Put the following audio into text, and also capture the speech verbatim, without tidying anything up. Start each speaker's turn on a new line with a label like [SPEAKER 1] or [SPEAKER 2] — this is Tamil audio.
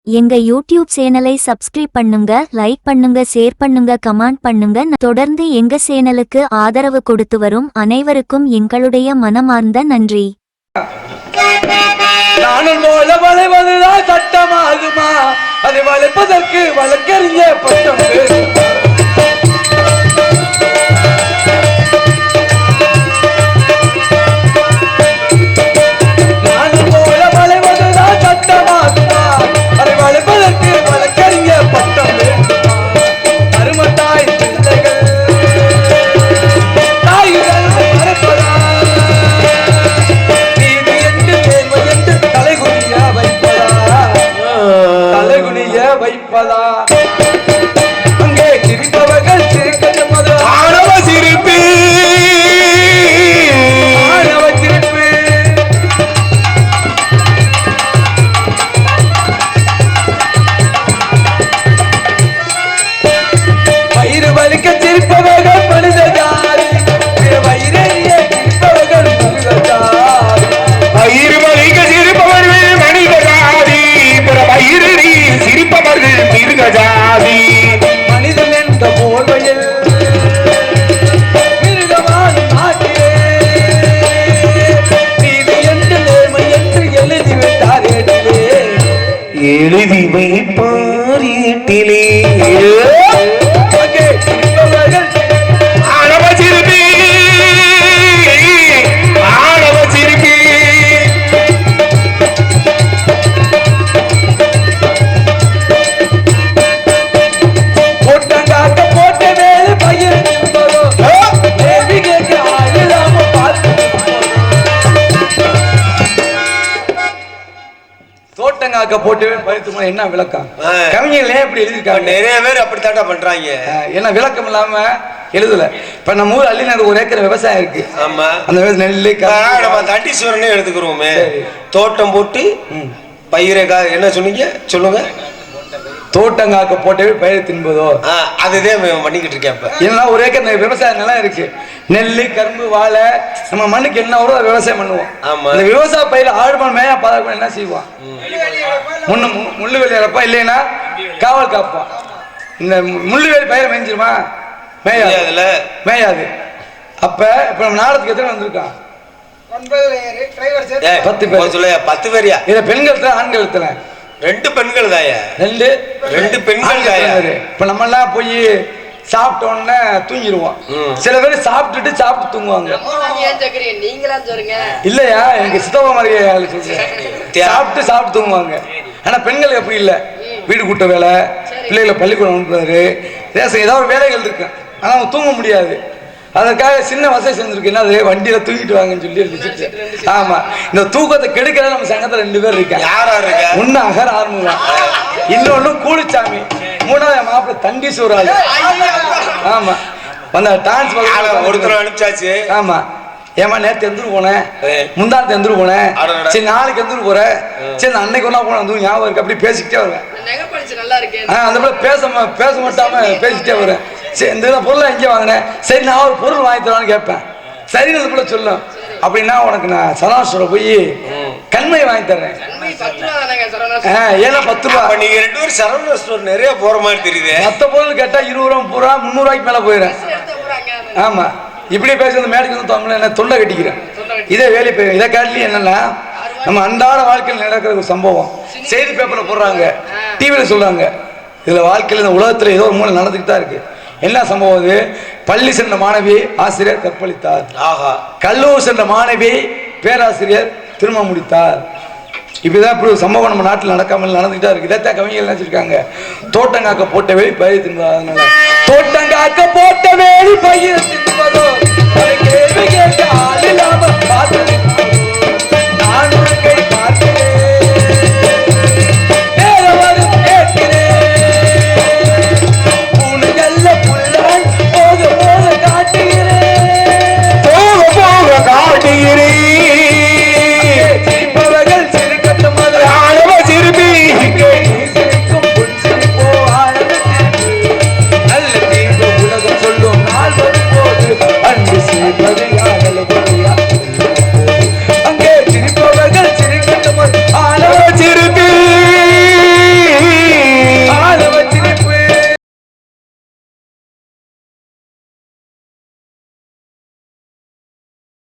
[SPEAKER 1] எங்க யூடியூப் சேனலை சப்ஸ்கிரைப் பண்ணுங்க, லைக் பண்ணுங்க, ஷேர் பண்ணுங்க, கமெண்ட் பண்ணுங்க. தொடர்ந்து எங்க சேனலுக்கு ஆதரவு கொடுத்து வரும் அனைவருக்கும் எங்களுடைய மனமார்ந்த நன்றி.
[SPEAKER 2] நானும் போல வளைவதுதான் சட்டமாகுமா? அதை வளைப்பதற்கு வழக்கறிஞர் பட்டம் வைப்பதா? அங்கே சிரிப்பவர்கள் சிரிக்கட்டும், மது ஆணவ சிரிப்பு, ஆணவ சிரிப்பு. வயிறு வலிக்க சிரிப்பவர்கள் மனித ஜாதி, வயிறறிய சிரிப்பவர்கள் மனித ஜாதி. வயிறு வலிக்க சிரிப்பவர்கள் மனித ஜாதி, வயிறறி சிரிப்பவர்கள் மிருக ஜாதி. மனிதன் என்ற போர்வையில் மிருகமான நாட்டிலே நீதி என்று நேர்மை என்று எழுதி விட்டார் ஏட்டிலே, எழுதி வைப்பார் ஏட்டிலே. ஆணவ சிரிப்பி, ஆணவ சிரிப்பி. தோட்டங்காக்க போட்டவே பயிற்சி என்ன விளக்கம்? கவிஞர்களே இப்படி எழுதிருக்காங்க.
[SPEAKER 3] நிறைய பேர் அப்படித்தாட்டா பண்றாங்க.
[SPEAKER 2] ஏன்னா விளக்கம் இல்லாம எழுதல. இப்ப நம்ம ஊர் அள்ளிநகர் ஒரு ஏக்கர் விவசாயம் இருக்கு.
[SPEAKER 3] ஆமா,
[SPEAKER 2] அந்த நெல்லு
[SPEAKER 3] நம்ம தண்டீஸ்வரனே எடுத்துக்கிறோமே. தோட்டம் போட்டு பயிரை என்ன சொன்னீங்க சொல்லுங்க?
[SPEAKER 2] தோட்டங்காக்க போட்டவே பயிர் தின்பதோ,
[SPEAKER 3] அதுதான் பண்ணிக்கிட்டு இருக்கேன். இப்ப
[SPEAKER 2] ஏன்னா ஒரு ஏக்கர் விவசாய நிலம் இருக்கு. நெல்லு, கரும்பு, வாழை, நம்ம மண்ணுக்கு என்ன வரும் விவசாயம் பண்ணுவோம். அந்த விவசாய பயிர் ஆழ்மன் மேயா பாதுகாப்பு என்ன செய்வான்? முன்னு முள்ளுவேலி இறப்பா, இல்லைன்னா காவல் காப்பான். இந்த முள்ளுவேலி பயிர் மேய்ஞ்சிருமா? மேயாது, மேயாது. அப்ப இப்ப நம்ம நாடத்துக்கு எத்தனை வந்திருக்கான்? பத்து பேர். சொல்ல பத்து பேரியா? இதை பெண்கள் ஆண்கள் எத்தனை?
[SPEAKER 3] ரெண்டு பெண்கள் தாயா? ரெண்டு ரெண்டு பெண்கள் தாயா?
[SPEAKER 2] இப்ப நம்ம எல்லாம் போய் சாப்பிட்டோன்னு தூங்கிடுவோம். சில பேர் சாப்பிட்டுட்டு சாப்பிட்டு தூங்குவாங்க. இல்லையா, எனக்கு சித்தப்பா மாதிரி சொல்றேன். சாப்பிட்டு சாப்பிட்டு தூங்குவாங்க. ஆனா பெண்கள் எப்படி இல்லை, வீடு கூட்ட வேலை, பிள்ளைகளை பள்ளிக்கூடம் அனுப்புறாரு, ரேசன் ஏதாவது வேலைகள் இருக்கு. ஆனா அவங்க தூங்க முடியாது. அதற்காக சின்ன வசதி செஞ்சிருக்கு. என்னது, வண்டியில தூக்கிட்டு வாங்கன்னு சொல்லி இருந்துச்சு. ஆமா, இந்த தூக்கத்தை கெடுக்கிற நம்ம சங்கத்துல ரெண்டு பேர் இருக்காங்க. யாரா இருக்க? ஒன்னு அகர் ஆர்முகம், இன்னொன்னு கூலிச்சாமி, மூணாவது மாப்பிள்ள தண்டீஸ்வரால். ஆமா, வந்த டான்ஸ்
[SPEAKER 3] ஒருத்தர் அனுப்பிச்சாச்சு.
[SPEAKER 2] ஆமா, ஏமா நேற்று எந்திரு போனேன், முந்தானத்து எந்திரு போனேன், சரி நாளைக்கு எந்திரு போறேன், சரி அன்னைக்கு ஒன்னா போன வந்து ஞாபகம் இருக்கு. அப்படி பேசிக்கிட்டே வருவேன். அந்த போல பேச பேச மாட்டாம பேசிக்கிட்டே வருவேன். சரி இந்த பொருளை எங்கே வாங்கினேன், சரி நான் ஒரு பொருள் வாங்கி தரலான்னு கேட்பேன். சரி அது போல சொல்லும். அப்படின்னா உனக்கு நான் சரவணாஸ்டோட போய் கண்மை வாங்கி தர்றேன். ஏன்னா பத்து ரூபா.
[SPEAKER 3] நீங்க ரெண்டு பேரும் சரவணா ஸ்டோர் நிறைய போற மாதிரி தெரியுது.
[SPEAKER 2] மற்ற பொருள் கேட்டா இருபது ரூபா, முப்பது ரூபா, முந்நூறு ரூபாய்க்கு மேல போயிடுறேன். ஆமா, இப்படியே பேசுறது மேடைக்கு வந்து தமிழ் என்ன தொண்டை கட்டிக்கிறேன். இதே வேலை போய் இதை காட்டிலும் என்னன்னா, நம்ம அன்றாட வாழ்க்கையில் நடக்கிற ஒரு சம்பவம் செய்தி பேப்பர்ல போடுறாங்க, டிவியில சொல்றாங்க. இதுல வாழ்க்கையில் இந்த உலகத்துல ஏதோ ஒரு மூலம் நடந்துகிட்டு தான் இருக்கு. என்ன சம்பவம்? அது பள்ளி சென்ற மாணவி ஆசிரியர் கற்பழித்தார். கல்லூரி சென்ற மாணவி பேராசிரியர் திருமணம் முடித்தார். இப்படிதான் இப்படி ஒரு சம்பவம் நம்ம நாட்டில் நடக்காமல் நடந்துகிட்டா இருக்கு. இதைத்தான் கவிஞர்கள் நினைச்சிருக்காங்க. தோட்டங்காக்க போட்ட வேலி பயிர் தின்பதோ, அதனால தோட்டங்காக்க போட்ட வேலி பயிர் தின்பதோ, கேள்வி கேட்க ஆள் இல்லாம பார்த்து